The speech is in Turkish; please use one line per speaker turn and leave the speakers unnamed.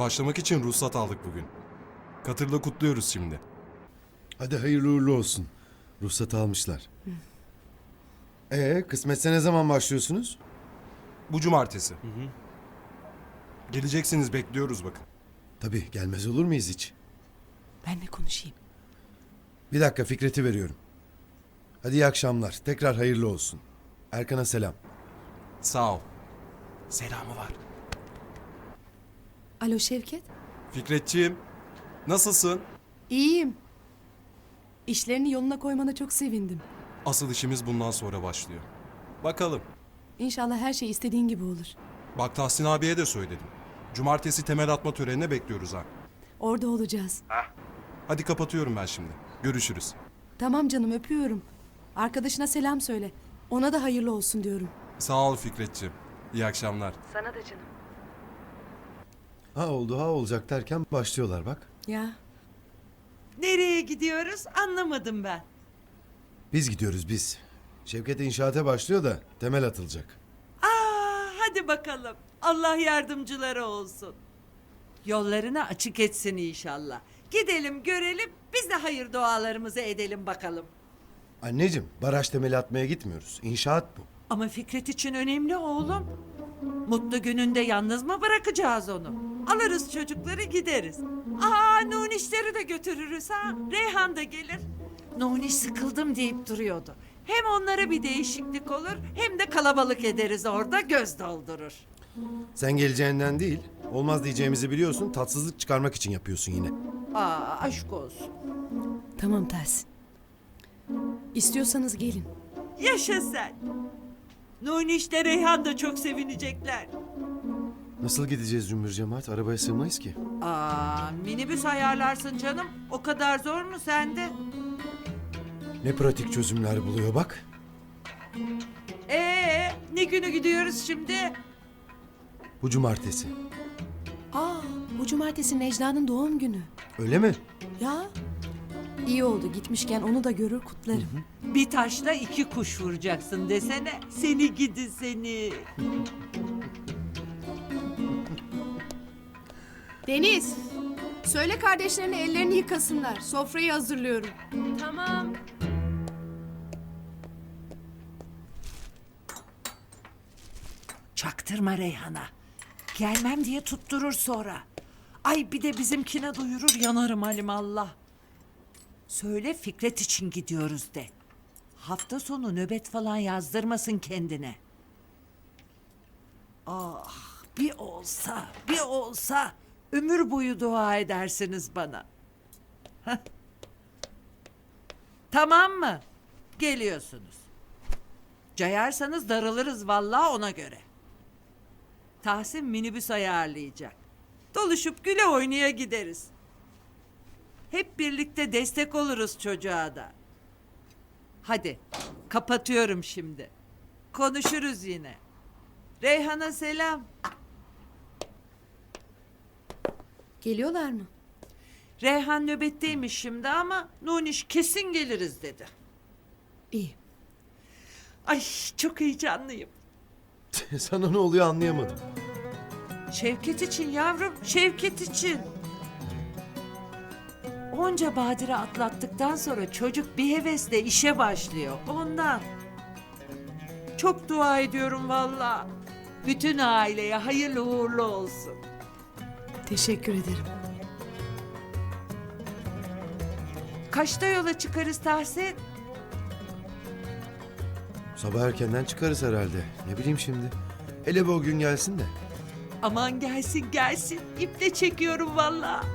Başlamak için ruhsat aldık bugün. Katır'la kutluyoruz şimdi.
Hadi hayırlı uğurlu olsun. Ruhsat almışlar. Kısmetse ne zaman başlıyorsunuz?
Bu cumartesi. Geleceksiniz, bekliyoruz bakın.
Tabii, gelmez olur muyuz hiç?
Ben de konuşayım.
Bir dakika, Fikret'i veriyorum. Hadi iyi akşamlar. Tekrar hayırlı olsun. Erkan'a selam.
Sağ ol. Selamı var.
Alo Şevket.
Fikretciğim, nasılsın?
İyiyim. İşlerini yoluna koymana çok sevindim.
Asıl işimiz bundan sonra başlıyor. Bakalım.
İnşallah her şey istediğin gibi olur.
Bak Tahsin abiye de söyledim. Cumartesi temel atma törenine bekliyoruz ha.
Orada olacağız.
Hadi kapatıyorum ben şimdi. Görüşürüz.
Tamam canım, öpüyorum. Arkadaşına selam söyle. Ona da hayırlı olsun diyorum.
Sağ ol Fikretciğim. İyi akşamlar.
Sana da canım.
Ha oldu ha olacak derken başlıyorlar bak.
Ya
Nereye gidiyoruz anlamadım ben.
Biz gidiyoruz biz. Şevket inşaata başlıyor da temel atılacak.
Hadi bakalım. Allah yardımcıları olsun. Yollarını açık etsin inşallah. Gidelim görelim, biz de hayır dualarımızı edelim bakalım.
Anneciğim, baraj temeli atmaya gitmiyoruz. İnşaat bu.
Ama Fikret için önemli oğlum. Mutlu gününde yalnız mı bırakacağız onu? Alırız çocukları gideriz. Nunişleri de götürürüz ha. Reyhan da gelir. Nuniş sıkıldım deyip duruyordu. Hem onlara bir değişiklik olur hem de kalabalık ederiz orada, göz doldurur.
Sen geleceğinden değil, olmaz diyeceğimizi biliyorsun, tatsızlık çıkarmak için yapıyorsun yine.
Aşk olsun.
tamam Tahsin. İstiyorsanız gelin.
Yaşa sen. Nuniş de Reyhan da çok sevinecekler.
Nasıl gideceğiz cümbür cemaat? Arabaya sığmayız ki.
Minibüs ayarlarsın canım. O kadar zor mu sende?
Ne pratik çözümler buluyor bak.
Ne günü gidiyoruz şimdi?
Bu cumartesi.
Bu cumartesi Necla'nın doğum günü.
Öyle mi?
Ya iyi oldu, gitmişken onu da görür kutlarım.
Bir taşla iki kuş vuracaksın desene. Seni gidi seni.
Deniz, söyle kardeşlerine ellerini yıkasınlar. Sofrayı hazırlıyorum.
Tamam.
Çaktırma Reyhan'a. Gelmem diye tutturur sonra. Ay bir de bizimkine duyurur, yanarım alimallah. Söyle Fikret için gidiyoruz de. Hafta sonu nöbet falan yazdırmasın kendine. Bir olsa ömür boyu dua edersiniz bana. Heh. Tamam mı? Geliyorsunuz. Cayarsanız darılırız vallahi, ona göre. Tahsin minibüs ayarlayacak. Doluşup güle oynaya gideriz. Hep birlikte destek oluruz çocuğa da. Hadi kapatıyorum şimdi. Konuşuruz yine. Reyhan'a selam.
Geliyorlar mı?
Reyhan nöbetteymiş şimdi ama Nuniş kesin geliriz dedi.
İyi.
Ay çok heyecanlıyım.
Sana ne oluyor anlayamadım.
Şevket için yavrum, Şevket için. Onca badire atlattıktan sonra çocuk bir hevesle işe başlıyor. Ondan. Çok dua ediyorum vallahi. Bütün aileye hayırlı uğurlu olsun.
Teşekkür ederim.
Kaçta yola çıkarız Tahsin?
Sabah erkenden çıkarız herhalde. Ne bileyim şimdi. Hele bu o gün gelsin de.
Aman gelsin gelsin. İple çekiyorum vallahi.